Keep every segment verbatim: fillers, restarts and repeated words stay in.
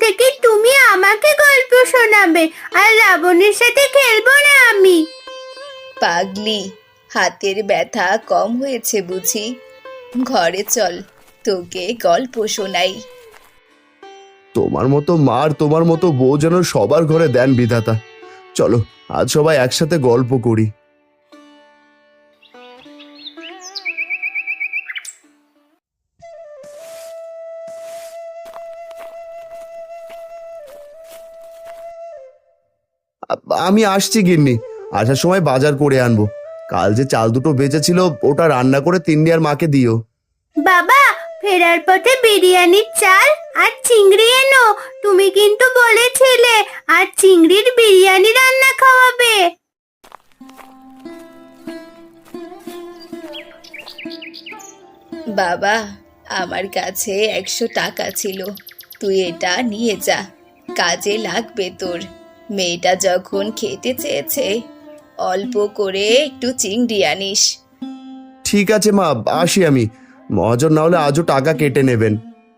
থেকে তুমি আমাকে গল্প শোনাবে, আর লাবণীর সাথে খেলবো না আমি। পাগলি, হাতের ব্যথা কম হয়েছে বুঝি? ঘরে চল, তোকে গল্প শোনাই। তোমার মতো মার তোমার মতো বউ যেন সবার ঘরে দেন বিধাতা। চলো আজ সবাই একসাথে গল্প করি। আ- আমি আসছি গিন্নি, আসার সময় বাজার করে আনবো। কাল যে চাল দুটো বেঁচেছিল ওটা রান্না করে তিন্নি আর মাকে দিও। বাবা, ফেরার পথে বিরিয়ানির চাল আর চিংড়ি এনো। তুমি কিন্তু বলেছিলে আর চিংড়ির বিরিয়ানি রান্না খাওয়াবে। বাবা, আমার কাছে একশো টাকা ছিল, তুই এটা নিয়ে যা, কাজে লাগবে তোর। মেয়েটা যখন খেতে চেয়েছে, অল্প করে একটু চিংড়ি আনিস। ঠিক আছে মা, আসি আমি। মহাজন না হলে আজও টাকা কেটে নেবেন।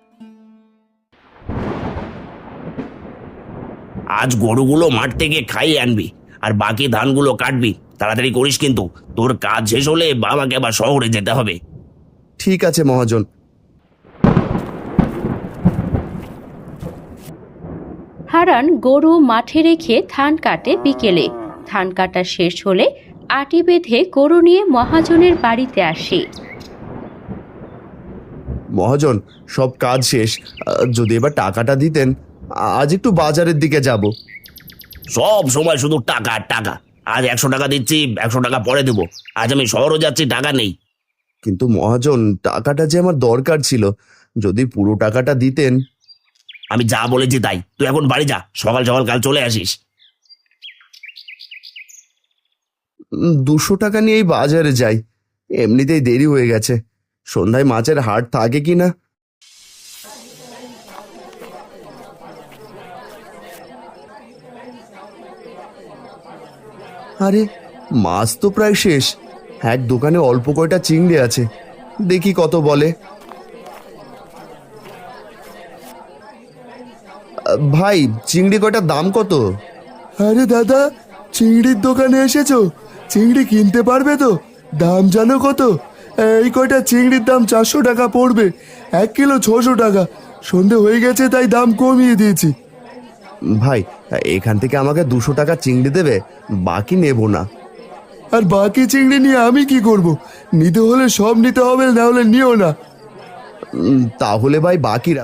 আজ গরুগুলো মাঠ থেকে খাইয়ে আনবি, আর বাকি ধানগুলো কাটবি। তাড়াতাড়ি করিস কিন্তু, তোর কাজ শেষ হলে বাবাকে আবার শহরে যেতে হবে। ঠিক আছে মহাজন। হারান গরু মাঠে রেখে ধান কাটে বিকেলে। ধান কাটা শেষ হলে আটি বেঁধে গরু নিয়ে মহাজনের বাড়িতে আসে। মহাজন, সব কাজ শেষ। আহ, যদি এবার টাকাটা দিতেন, আজ একটু বাজারের দিকে যাব। সব সময় শুধু টাকা আর টাকা। আজ একশো টাকা দিচ্ছি, একশো টাকা পরে দেবো। আজ আমি শহরও যাচ্ছি, টাকা নেই। কিন্তু মহাজন, টাকাটা যে আমার দরকার ছিল, যদি পুরো টাকাটা দিতেন। আমি যা বলেছি তাই, তুই এখন বাড়ি যা, সকাল সকাল কাল চলে আসিস। উম, দুশো টাকা নিয়ে এই বাজারে যাই, এমনিতেই দেরি হয়ে গেছে। সন্ধ্যায় মাছের হাট থাকে কি না। আরে, মাছ তো প্রায় শেষ। এক দোকানে অল্প কয়টা চিংড়ি আছে, দেখি কত বলে। আহ, ভাই, চিংড়ি কয়টার দাম কত? আরে দাদা, চিংড়ির দোকানে এসেছো? চিংড়ি কিনতে পারবে তো? দাম জানো কত? এই কয়টা চিংড়ির দাম চারশো টাকা পড়বে, এক কিলো ছশো টাকা। সন্ধে হয়ে গেছে তাই দাম কমিয়ে দিয়েছি। ভাই, এখান থেকে আমাকে দুশো টাকা চিংড়ি দেবে, বাকি নেব না। আর বাকি চিংড়ি নিয়ে আমি কি করব? নিতে হলে সব নিতে হবে, না হলে নিও না। উম, তাহলে ভাই বাকি